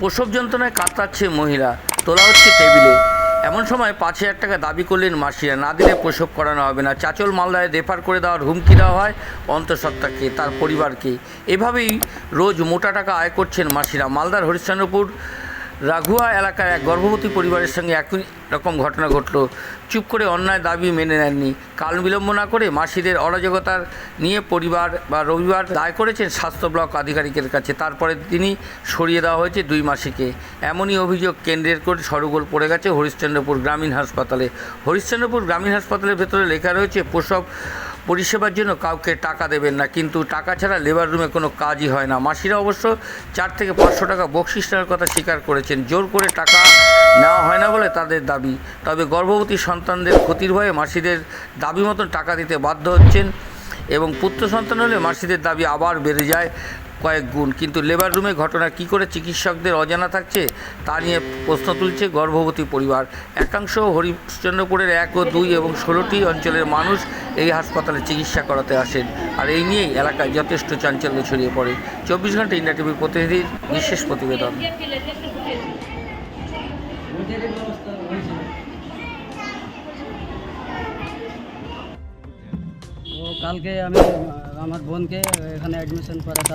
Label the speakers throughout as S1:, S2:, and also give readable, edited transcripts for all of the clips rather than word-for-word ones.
S1: প্রসব যন্ত্রণায় কাতরাচ্ছে মহিলা, তোলা হচ্ছে টেবিলে। এমন সময় 5,000 টাকা দাবি করলেন মাসিরা, না দিলে প্রসব করানো হবে না। চাঁচল মালদায় রেফার করে দেওয়ার হুমকি দেওয়া হয় অন্তঃসত্ত্বাকে, তার পরিবারকে। এভাবেই রোজ মোটা টাকা আয় করছেন মাসিরা। মালদার হরিশ্চন্দ্রপুর রাঘুয়া এলাকার এক গর্ভবতী পরিবারের সঙ্গে একই রকম ঘটনা ঘটল। চুপ করে অন্যায় দাবি মেনে নেননি। কাল বিলম্ব না করে মাসিদের অরাজকতার নিয়ে পরিবার রবিবার দায় করেছেন স্বাস্থ্য ব্লক আধিকারিকের কাছে। তারপরে তিনি সরিয়ে দেওয়া হয়েছে 2 মাসিকে। এমনই অভিযোগ কেন্দ্রের করে সরগোল পড়ে গেছে হরিশ্চন্দ্রপুর গ্রামীণ হাসপাতালে। হরিশ্চন্দ্রপুর গ্রামীণ হাসপাতালের ভেতরে লেখা রয়েছে প্রসব পরিষেবার জন্য কাউকে টাকা দেবেন না, কিন্তু টাকা ছাড়া লেবার রুমে কোনো কাজই হয় না। মাসিরা অবশ্য 4 থেকে 500 টাকা বকশিস নেওয়ার কথা স্বীকার করেছেন। জোর করে টাকা নেওয়া হয় না বলে তাদের দাবি। তবে গর্ভবতী সন্তানদের ক্ষতির ভয়ে মাসিদের দাবি মতন টাকা দিতে বাধ্য হচ্ছেন এবং পুত্র সন্তান হলে মাসিদের দাবি আবার বেড়ে যায় কয়েক গুণ। কিন্তু লেবার রুমে ঘটনা কী করে চিকিৎসকদের অজানা থাকছে তা নিয়ে প্রশ্ন তুলছে গর্ভবতী পরিবার। একাংশ হরিশ্চন্দ্রপুরের 1 ও 2 এবং 16টি অঞ্চলের মানুষ এই হাসপাতালে চিকিৎসা করাতে আসেন। আর এই নিয়েই এলাকায় যথেষ্ট চাঞ্চল্য ছড়িয়ে পড়ে। 24 ঘন্টা ইন্ডিয়া টিভির প্রতিনিধির বিশেষ প্রতিবেদন।
S2: কালকে আমি আমার বোনকে এখানে অ্যাডমিশন করাতে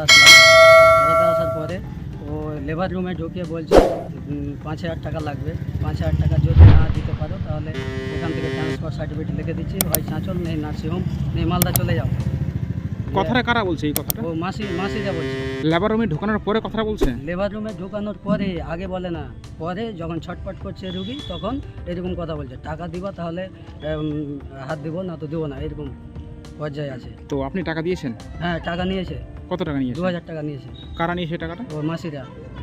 S2: আসার পরে ও লেবার রুমে ঢুকিয়ে বলছে 5,000 টাকা লাগবে। 5,000 টাকা যদি না দিতে পারো তাহলে এখান থেকে ট্রান্সফার সার্টিফিকেট লিখে দিচ্ছি, হয় চাঁচল নেই নার্সিংহোম নেই মালদা চলে যাও।
S3: কথাটা কারা বলছে এই কথাটা?
S2: ও মাসিরা বলছে।
S3: লেবার রুমে ঢোকানোর পরে কথাটা বলছে?
S2: লেবার রুমে ঢোকানোর পরে, আগে বলে না, পরে যখন ছটপট করছে রুগী তখন এরকম কথা বলছে, টাকা দিবা তাহলে হাত দিব, না তো দেবো না, এরকম পর্যায়ে আছে।
S3: তো আপনি টাকা দিয়েছেন?
S2: হ্যাঁ, টাকা নিয়েছে।
S3: কত টাকা নিয়েছে?
S2: 2,000 টাকা নিয়েছে।
S3: কারা নিয়েছে টাকাটা?
S2: ও মাসিরা।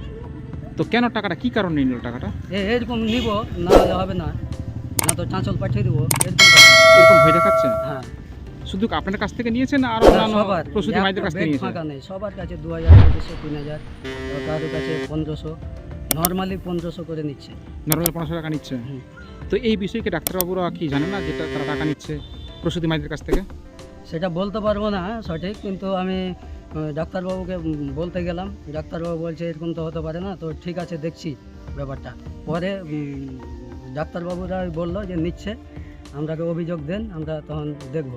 S3: তো কেন টাকাটা, কি কারণে নিল টাকাটা?
S2: এরকম নিব, না হলে হবে না, না তো চাঁচল পাঠিয়ে দেবো,
S3: এরকম ভয় দেখাচ্ছে?
S2: হ্যাঁ।
S3: শুধু আপনার কাছ থেকে নিয়েছেন আর
S2: সবার
S3: প্রসূতি মায়েদের কাছ থেকে নিয়েছেন?
S2: ফাঁকা নেই, সবার কাছে 2,000, 2,500, 3,000, কারোর কাছে 1,500, নর্মালি 1,500 করে নিচ্ছে।
S3: নর্মাল 500 টাকা নিচ্ছে। তো এই বিষয়কে ডাক্তারবাবুরা কি জানে না যেটা তারা টাকা নিচ্ছে প্রসূতি মায়েদের কাছ থেকে?
S2: সেটা বলতে পারবো না সঠিক, কিন্তু আমি ডাক্তারবাবুকে বলতে গেলাম, ডাক্তারবাবু বলছে এরকম তো হতে পারে না, তো ঠিক আছে দেখছি ব্যাপারটা। পরে ডাক্তারবাবুরা বললো যে নিচ্ছে, আমরাকে অভিযোগ দেন, আমরা তখন দেখব।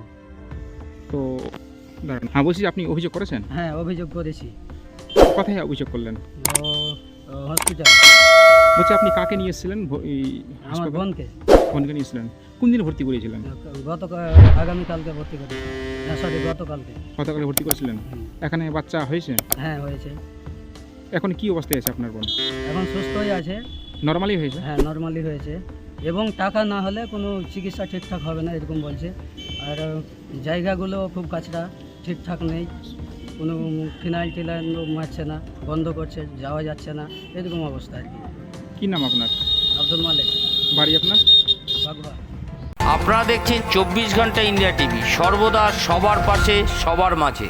S3: তো হ্যাঁ, বলছি আপনি অভিযোগ করেছেন?
S2: হ্যাঁ, অভিযোগ করেছি।
S3: কোথায় অভিযোগ করলেন?
S2: হসপিটাল।
S3: বলছি আপনি কাকে নিয়ে এসেছিলেন?
S2: আমার বোনকে।
S3: বোনকে নিয়েছিলেন? কোন দিন ভর্তি করেছিলেন?
S2: আগামীকালকে ভর্তি করেছি। সরি, গতকালকে।
S3: গতকালে ভর্তি করেছিলেন? এখানে বাচ্চা হয়েছে?
S2: হ্যাঁ, হয়েছে।
S3: এখন কি অবস্থায় আছে আপনার বোন?
S2: এখন সুস্থই আছে।
S3: নর্মালি হয়েছে?
S2: হ্যাঁ, নর্মালি হয়েছে, এবং টাকা না হলে কোনো চিকিৎসা ঠিকঠাক হবে না এরকম বলছে। আর জায়গাগুলো খুব কাছড়া, ঠিকঠাক নেই, কোনো ফিনাইল টিনাইল মারছে না, বন্ধ করছে, যাওয়া যাচ্ছে না, এরকম অবস্থা আর কি।
S3: কি নাম আপনার?
S2: আব্দুল মালিক।
S3: বাড়ি আপনার?
S2: বাগবা।
S1: আপনারা দেখছেন 24 ঘন্টা ইন্ডিয়া টিভি, সর্বদা সবার পাশে, সবার মাঝে।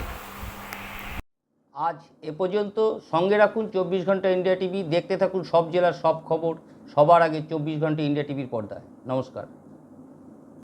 S1: আজ এ পর্যন্ত। সঙ্গে রাখুন 24 ঘন্টা ইন্ডিয়া টিভি। দেখতে থাকুন সব জেলার সব খবর সবার আগে 24 ঘন্টা ইন্ডিয়া টিভির পর্দায়। নমস্কার।